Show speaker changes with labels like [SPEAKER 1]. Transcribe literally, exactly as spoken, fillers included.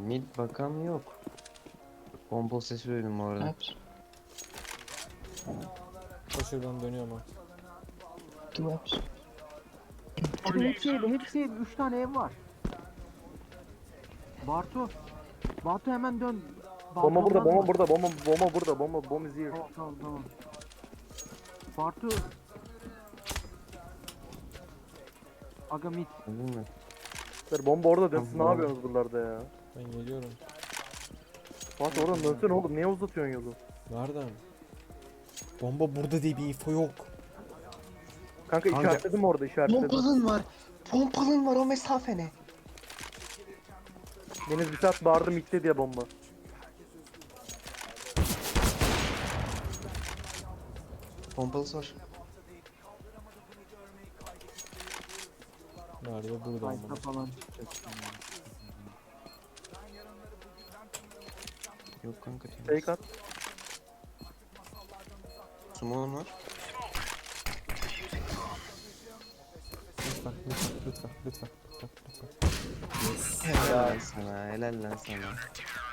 [SPEAKER 1] Mid bakan yok. Pompalı sesi duydum bu arada.
[SPEAKER 2] Perhaps.
[SPEAKER 3] Koşudan dönüyorum ha.
[SPEAKER 2] Two apps.
[SPEAKER 4] Abi
[SPEAKER 2] Three
[SPEAKER 4] hepsi
[SPEAKER 2] apps.
[SPEAKER 4] ev, hepsi ev. Üç tane ev var. Bartu. Bartu hemen dön.
[SPEAKER 5] Bomba burada,
[SPEAKER 4] Balkondan
[SPEAKER 5] bomba
[SPEAKER 4] dön.
[SPEAKER 5] burada, bomba bomba burada, bomba bomb is here.
[SPEAKER 4] Tamam tamam tamam. Bartu. Aga mid.
[SPEAKER 1] Anladın mı?
[SPEAKER 5] Sir, bomba orada dönsün, ne
[SPEAKER 1] Tamam.
[SPEAKER 5] yapıyorsunuz buralarda ya?
[SPEAKER 3] Ben geliyorum.
[SPEAKER 5] Fatih oradan dönsene oğlum, niye uzatıyorsun yolu?
[SPEAKER 3] Nereden? Bomba burada diye bir info yok.
[SPEAKER 5] Kanka,
[SPEAKER 1] Kanka.
[SPEAKER 5] işaretledim orada, işaretledim.
[SPEAKER 2] Pompalın var. Pompalın var o mesafe ne?
[SPEAKER 5] Deniz bir saat bağırdım itti diye bomba.
[SPEAKER 1] Pompalısı var.
[SPEAKER 3] Nerede? Burada
[SPEAKER 4] Kayıta
[SPEAKER 3] ama.
[SPEAKER 4] falan çıkacak.
[SPEAKER 1] Yok kanka. temiz.
[SPEAKER 5] Fake at.
[SPEAKER 1] Sumon var.
[SPEAKER 3] Lütfen, lütfen, lütfen, lütfen, lütfen, lütfen.
[SPEAKER 1] Helal lan sana. Helal lan sana.